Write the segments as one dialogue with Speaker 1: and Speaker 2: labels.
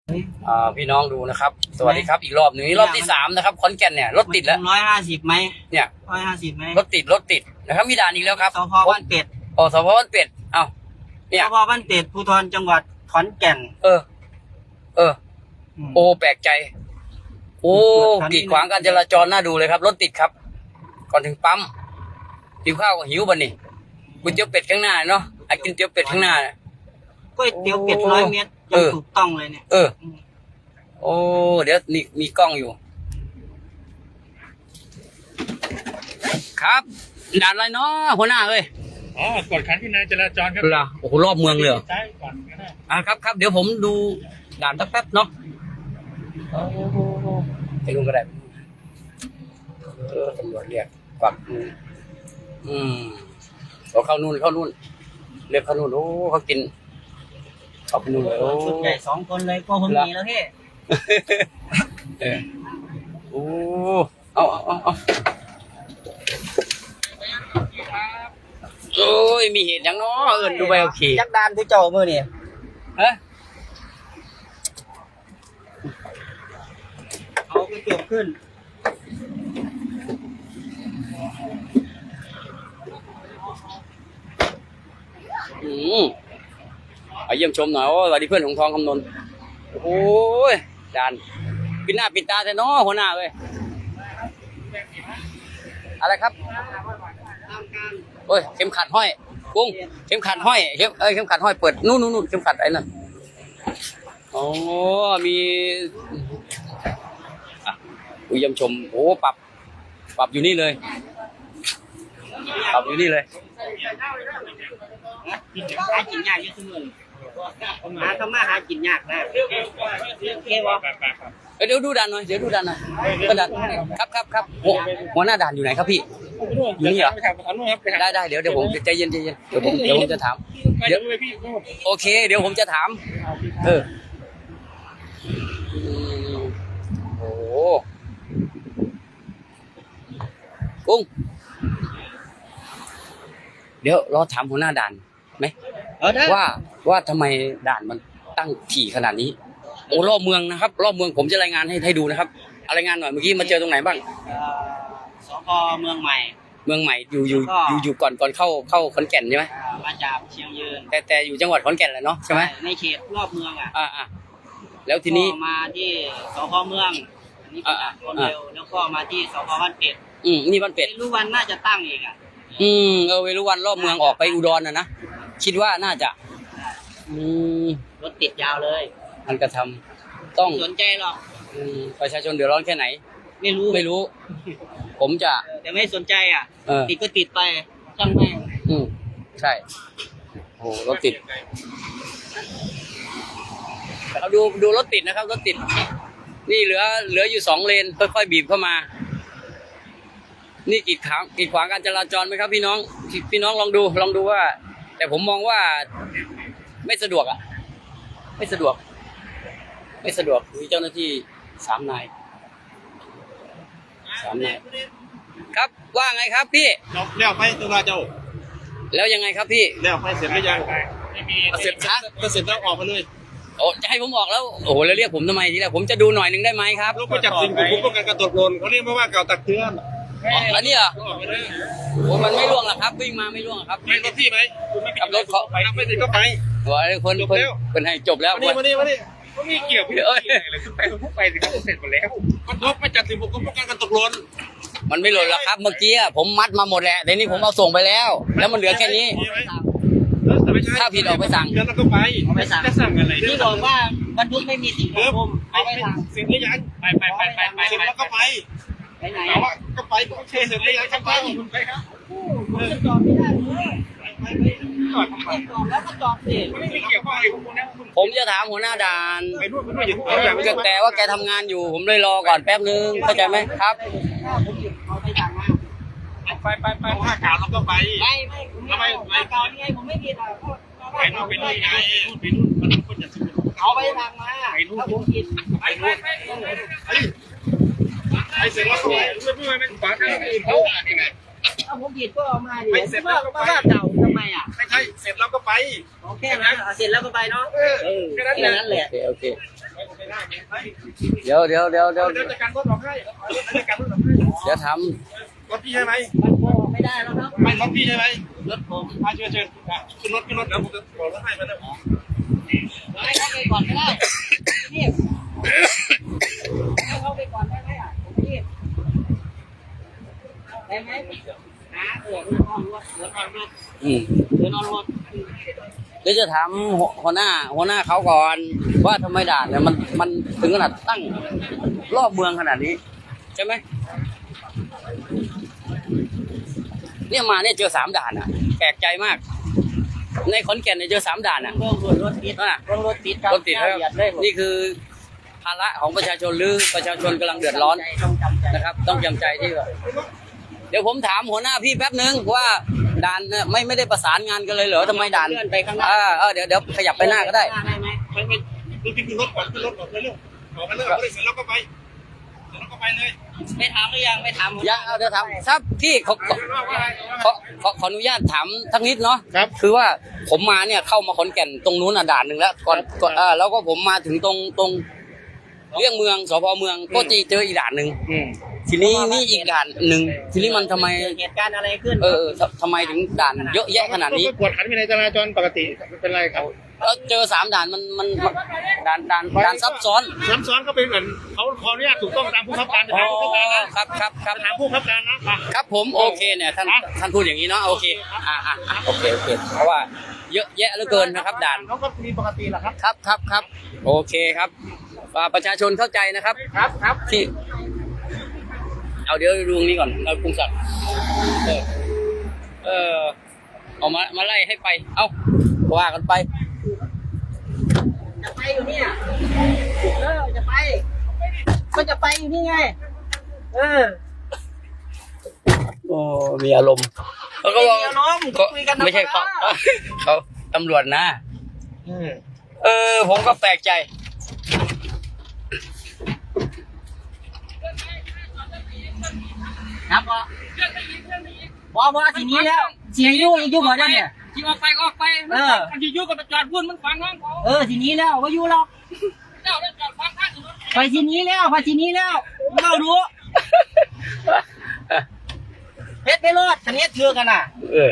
Speaker 1: พี่น้องดูนะครับสวัสดีครับอีกรอบหนึ่งนี่รอบที่3นะครับขอนแก่นเนี่ยรถติดแล้ว
Speaker 2: 150ไหม
Speaker 1: เนี่ย
Speaker 2: 150ไหม
Speaker 1: รถติดนะครับมีด่านอีกแล้วครับ
Speaker 2: สพบ้านเป็ด
Speaker 1: สพบ้านเป็ดเอ้าเนี่
Speaker 2: ส
Speaker 1: ย
Speaker 2: พบ้านเป็ดภูธรจังหวัดขอนแก่น
Speaker 1: โอ้แปลกใจโอ้กีดขวางการจราจรน่าดูเลยครับรถติดครับก่อนถึงปั๊มหิวข้าวก็หิวบ่นี่ก๋วยเตี๋ยวเป็ดข้างหน้าเนาะไอ้กินเตี๋ยวเป็ดข้างหน้า
Speaker 2: ก๋วยเตี๋ยวเป็ด100 เมตรยังถูกต้องเลยเนี่ย
Speaker 1: โอ้เดี๋ยวนี่มีกล้องอยู่ครับด่านอะไรเนาะหัวหน้าเอ้ย
Speaker 3: กดขันวินัยจราจรครับ
Speaker 1: โอ้โหรอบเมืองเลย
Speaker 3: ใช่ก่อนก็ได้
Speaker 1: ครับเดี๋ยวผมดูด่านสักแป๊บเนาะไปดูก็ได้ตำรวจเรียกปักเข้านู่นเรียกเข้านู่นโอ้เขากินเข้าไปนู่นเลยโอ้
Speaker 2: ชุดใหญ่2 คนเลยก็คงมีแล้วพี่
Speaker 1: โอ้เอาโอ้ยมีเหตุอย่างเนาะดูไปโอเค
Speaker 2: ยักษ์ดานที่เจ้ามือนี่เอาไปเก็บขึ้น
Speaker 1: เยี่ยมชมหน่อยสวัสดีเพื่อนของทองคำนนท์โอ้ยด่านปิดหน้าปิดตาแต่น้อหัวหน้าเลยอะไรครับโอ้ยเข็มขัดห้อยกุ้งเข็มขัดห้อยเข็มขัดห้อยเปิดนู่นเข็มขัดไอ้นั่นโอ้มีเยี่ยมชมโอ้ปรับอยู่นี่เลยหากินย
Speaker 2: ากเยอะขึ้นเลยทำมาหากินยากนะโอเควะ
Speaker 1: เดี๋ยวดูด่านหน่อยก็ด่านครับหัวหน้าด่านอยู่ไหนครับพี่อยู่นี่เหรอได้เดี๋ยวผมใจเย็นเดี๋ยวผมจะถามโอเคเดี๋ยวผมจะถามโอ้กุ้งเดี๋ยวรอถามหัวหน้าด่านไหมว่าทำไมด่านมันตั้งถี่ขนาดนี้โอ้รอบเมืองนะครับรอบเมืองผมจะรายงานให้ดูนะครับรายงานหน่อยเมื่อกี้มาเจอตรงไหนบ้าง
Speaker 2: สพเมืองใหม่
Speaker 1: อยู่ก่อนเข้าขอนแก่นใช่ไหม
Speaker 2: มาจากเชียงยืน
Speaker 1: แต่อยู่จังหวัดขอนแก่นแหละเนาะใช่ไหม
Speaker 2: ในเขตรอบเมือง
Speaker 1: แล้วทีนี้
Speaker 2: มาที่สพเมืองอันนี้คนเร็วแล้วก็มาที่สพบ้านเป็ด
Speaker 1: นี่บ้านเป็ด
Speaker 2: รู้วันน่าจะตั้งอีก
Speaker 1: เวรุวันรอบเมืองออกไปอุดรนะคิดว่าน่าจะ
Speaker 2: รถติดยาวเลย
Speaker 1: มันกระทำต้อง
Speaker 2: สนใจหรอก
Speaker 1: ประชาชนเดือดร้อนแค่ไหน
Speaker 2: ไม่รู้
Speaker 1: ผมจะ
Speaker 2: แต่ไม่สนใจติดก็ติดไปช่างแม่ง
Speaker 1: ใช่โอ้รถติดเราดูรถติดนะครับรถติดนี่เหลืออยู่2 เลนค่อยๆบีบเข้ามานี่กีดขวางการจราจรไหมครับพี่น้องลองดูว่าแต่ผมมองว่าไม่สะดวกไม่สะดวกมีเจ้าหน้าที่3 นายครับว่าไงครับพี่
Speaker 3: แล้วไปตัวเจ้า
Speaker 1: แล้วยังไงครับพี่
Speaker 3: แล้วไปเสร็จหรือยังไม่มีเสร็จแล้วออกมาเลย
Speaker 1: จะให้ผมออกแล้วโอ้แล้วเรียกผมทำไมทีแรกผมจะดูหน่อยนึงได้ไหมครับ
Speaker 3: ลูกไปจับสิ่งผมป้องกันการตกหล่นเขาเรียกว่าเก่าตักเตือน
Speaker 1: อันนี้เหรอมันไม่ร่วงหรอกครับวิ่งมาไม่ร่วงครับ
Speaker 3: ไม่รถพี่ไหม
Speaker 1: ขับรถเขา
Speaker 3: ไปไม่ติดก็ไป
Speaker 1: คนให้จบแล้ว
Speaker 3: มานี่ก็มีเกี่ยวพี่เลยไปสิครับเสร็จหมดแล้วมันลบไปจัดสิ่งผมป้องกันการตกหล่น
Speaker 1: มันไม่หล่นหรอกครับเมื่อกี้ผมมัดมาหมดแหละแต่นี่ผมเอาส่งไปแล้วมันเหลือแค่นี้ถ้าผิดออกไปสั่ง
Speaker 3: แล้วก็ไปจะสั่งอะไร
Speaker 2: ที่บอกว่าบรรทุกไม่มีสิ่งควบคุม
Speaker 3: ไปสั่งสิ่งที่ยังไปแล้วก็ไป
Speaker 2: ไหน
Speaker 3: ก็ไปก็เทเสร็จแล้วยังไปครับ
Speaker 2: จะจอดไม่ได้จอดแล้วก็จอดสิ
Speaker 3: ไม่เกี่ยวข้องอะไรกับคุณนะ
Speaker 1: ผมจะถามหัวหน้าด่านแต่ว่าแกทำงานอยู่ผมเลยรอก่อนแป๊บนึงเข้าใจไหมครับ
Speaker 2: เอาไปสั่งมา
Speaker 3: ไปผ้าขาวเราก็ไป
Speaker 2: ไม่ผ้าขาวนี่ไงผมไม่ผิด
Speaker 3: ไปนู่นไงไปนู่นมันคนจะซื้อ
Speaker 2: เอาไปสั่งมาถ้าผมผิด
Speaker 3: ไปเสร็จแล้วก็ไม่ขวางทางอื่นเขา
Speaker 2: ถ้าผมผิดก็เอามาดิเสร็จแล้วก็ไปเก่าทำไม
Speaker 3: ไม่ใช่เสร็จแล้วก็ไป
Speaker 2: โอเคนะเสร็จแล้วก็ไปเนาะ
Speaker 3: แค่นั้นแหละ
Speaker 1: โอเคเดี๋ยว
Speaker 3: เดี๋ยวจัดการรถออกให้จัดการรถออกให้
Speaker 1: เดี๋ยวท
Speaker 3: รถพี่ใช่ไหม
Speaker 2: มันโกงไม่ได้แล้วครับ
Speaker 3: ไม่รถพี่ใช่ไหม
Speaker 2: รถผม
Speaker 3: เชิญขึ้นรถเดี๋ยวผมจะบอกรถให้มาแล้ว
Speaker 2: ให้เขาไปก่อนก็ได้นี่ให้เขาไปก่อนได้ไหมอ่ะผมรีบได้ไหมเดินนอนรถ
Speaker 1: ำอืม
Speaker 2: เดินนอนรถ
Speaker 1: เดี๋ยวจะถามหัวหน้าเขาก่อนว่าทำไมด่านเนี่ยมันถึงขนาดตั้งรอบเมืองขนาดนี้ใช่ไหมเนี่ยมาเนี่ยเจอ3 ด่านอ่ะแปลกใจมาก ในขอนแก่นเนี่ยเจอ3 ด่านอ่ะ
Speaker 2: รถติด
Speaker 1: อ่ะ
Speaker 2: รถติดครับ
Speaker 1: รถติดครับ
Speaker 2: เหยียดเลย
Speaker 1: นี่คือภาระของประชาชนหรือประชาชนกำลังเดือดร้อน
Speaker 2: ต้องจำใจ
Speaker 1: นะครับ ต้องจำใจที่ว่าเดี๋ยวผมถามหัวหน้าพี่แป๊บนึงว่าด่านเนี่ยไม่ได้ประสานงานกันเลยเหรอทำไมด่าน
Speaker 2: เลื่อนไปข้างหน้า
Speaker 1: เดี๋ยวขยับไปหน้าก็ได้
Speaker 2: ได้ไหม
Speaker 3: ไม่ขึ้นรถก่อนขึ้นรถก่อนเร็วออกมาเลยเสร็จแล้วก็ไปเลย
Speaker 2: ไม่ถามหรือยังไม่ถาม
Speaker 1: ยังเดี๋ยวถามครับพี่ขออนุญาตถามทักนิดเนาะ
Speaker 3: ครับ
Speaker 1: คือว่าผมมาเนี่ยเข้ามาขอนแก่นตรงนู้นด่านหนึ่งแล้วก่อนแล้วก็ผมมาถึงตรงเรื่องเมืองสพเมืองก็เจออีกด่านหนึ่งทีนี้นี่อีกด่านหนึ่งทีนี้มันทำไม
Speaker 2: เกิดเหตุการณ์อะไรขึ้น
Speaker 1: ทำไมถึงด่านเยอะแยะขนาดนี้
Speaker 3: กวดขันวินัยจราจรปกติเป็นไรครับ
Speaker 1: แล้วเจอ3 ด่านมันด่านซับซ้อน
Speaker 3: ซ้ำซ้อนก็เป็นเหมือนเขาขออนุญาตถูกต้องตามผู้ขับการ
Speaker 1: อ๋
Speaker 3: ถามผู้ขับการนะครับ
Speaker 1: ครับ
Speaker 3: ถามผู้ขับการนะครับ
Speaker 1: ผมโอเคเนี่ยท่านพูดอย่างนี้เนาะโอเคโอเคเพราะว่าเยอะแยะเหลือเกินนะครับด่าน
Speaker 3: เขาก็มีปกติแหละครับ
Speaker 1: ครับโอเคครับประชาชนเข้าใจนะครับ
Speaker 3: ครับ
Speaker 1: ที่เอาเดี๋ยวดูตรงนี้ก่อนเรากรุงศักดิ์เอามาไล่ให้ไปเอาว่ากันไป
Speaker 2: จะไปอยู่เนี่ยจะไปก็จะไปอยู่นี่ไง
Speaker 1: โอ้มีอารมณ์เขาก็บอก
Speaker 2: มีอารมณ์คุยกัน
Speaker 1: ไม่ใช่
Speaker 2: ธรรมดา
Speaker 1: เขาตำรวจนะผมก็แปลกใจ
Speaker 2: ครับว่าทีนี้แล้วเสียงยุ่งอีกยุ่งเหรอเนี่ย
Speaker 4: ที่ออกไปมันที่ยุ่งกับจอดพุ่นมันฟังน้องเขา
Speaker 2: ทีนี้แล้วว่าอยู่หรอก
Speaker 4: เจ้าได้จอดฟังข้างถนน
Speaker 2: ไปทีนี้แล้วเรารู้เพชรไปรอดคันนี้เถื่อกันน่ะ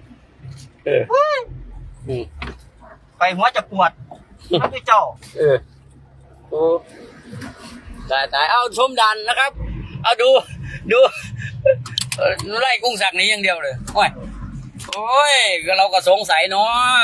Speaker 2: ไปหัวจะปวดครับพี่เจ้า
Speaker 1: โอ้ตายเอาชมด่านนะครับเอาดูไล่กุ้งสักนี้อย่างเดียวเลยโอ้ยก็เราก็สงสัยเนาะ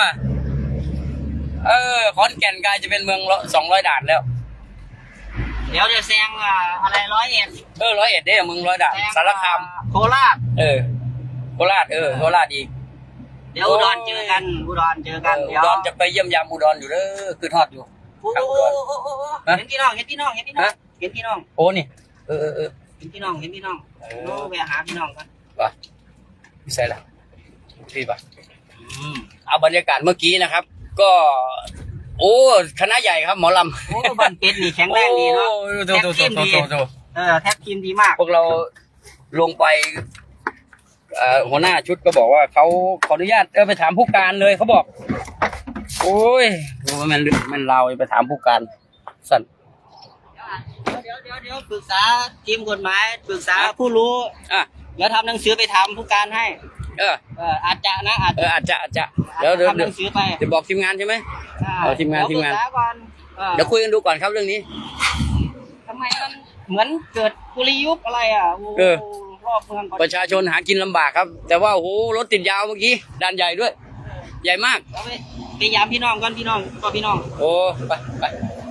Speaker 1: ขอนแก่นกลายจะเป็นเมือง200 ด่านแล้ว
Speaker 2: เดี๋ยวจะแซงอะไร101
Speaker 1: 101เนี่ยเมือง100 ด่านสารคาม
Speaker 2: โคราช
Speaker 1: โคราชโคราชอีก
Speaker 2: เดี๋ยวอุดรเจอกันอุดรเจอกัน
Speaker 1: อุดรจะไปเยี่ยมยามอุดรอยู่เด้อคือทอดอยู่
Speaker 2: โอ้เห็นพี่น้อง
Speaker 1: โอ้นี่
Speaker 2: เห็นพี่น้องโน้ไปหาพี่น้องกัน
Speaker 1: ป่ะไม่ใช่ละพี่ป่ะเอาบรรยากาศเมื่อกี้นะครับ ก็โอ้คณะใหญ่ครับหมอลำ
Speaker 2: โอ้บ้านเป็ดนี่แข็งแรงดีเนาะแท็กทีมดีแท็กทีมดีมาก
Speaker 1: พวกเราลงไปหัวหน้าชุดก็บอกว่าเขาขออนุญาตไปถามผู้การเลยเขาบอก โอ้ยมันเราไปถามผู้การสั่น
Speaker 2: เดี๋ยวปรึกษาทีมกฎหมายปรึกษาผู้รู้แล้วทำหนังสือไปถามผู้การให้อาจจะนะอาจจะ
Speaker 1: เดี๋ยว
Speaker 2: ทำหนังสือไป
Speaker 1: จะบอกทีมงานใช่ไหมทีมงาน
Speaker 2: ปรึกษาก่อน
Speaker 1: เดี๋ยวคุยกันดูก่อนครับเรื่องนี้
Speaker 2: ทำไมมันเหมือนเกิดกุลียุบอะไรรอบเมือง
Speaker 1: ประชาชนหากินลำบากครับ แต่ว่าโอ้โหรถติดยาวเมื่อกี้ด่านใหญ่ด้วย ใหญ่มาก
Speaker 2: ไปยามพี่น้องก่อนพี่น้อง
Speaker 1: โอ้ไป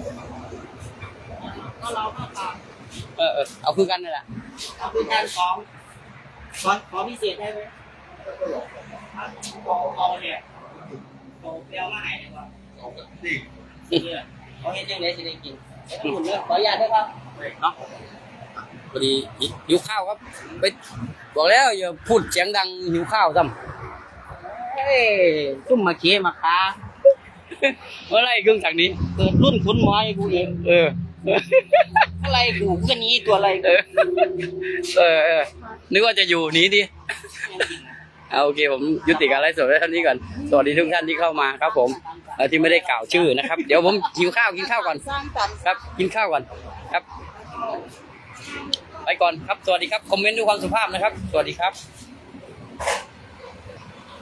Speaker 2: ก็เราก็ตาม
Speaker 1: เอาคือกันนั่นแหละ
Speaker 2: เอาคือการขอพิเศษได้ไหมเอาเนี่ยเอาเปรี้ยวมาให้ดีกว่าเขาเห็นยังไงสิได้กินขออนุญาตด้วยครับ
Speaker 1: เนาะพอดีหิวข้าวครับไปบอกแล้วอย่าพูดเสียงดังหิวข้าวซ้ำ
Speaker 2: เฮ้ยซุ่มมาเคี้ยมาค้า
Speaker 1: เมื่อไรเครื่องจักรนี้
Speaker 2: เกิดรุ่นคุณหมอไอ้กูเอง อะไรกูก็นี้ตัวอะไร
Speaker 1: นึกว่าจะอยู่หนีดิโอเคผมยุติการไลฟ์สดไว้เท่านี้ก่อนสวัสดีทุกท่านที่เข้ามาครับผมที่ไม่ได้กล่าวชื่อนะครับเดี๋ยวผมกินข้าวก่อนครับกินข้าวก่อนครับไปก่อนครับสวัสดีครับคอมเมนต์ด้วยความสุภาพนะครับสวัสดีครับ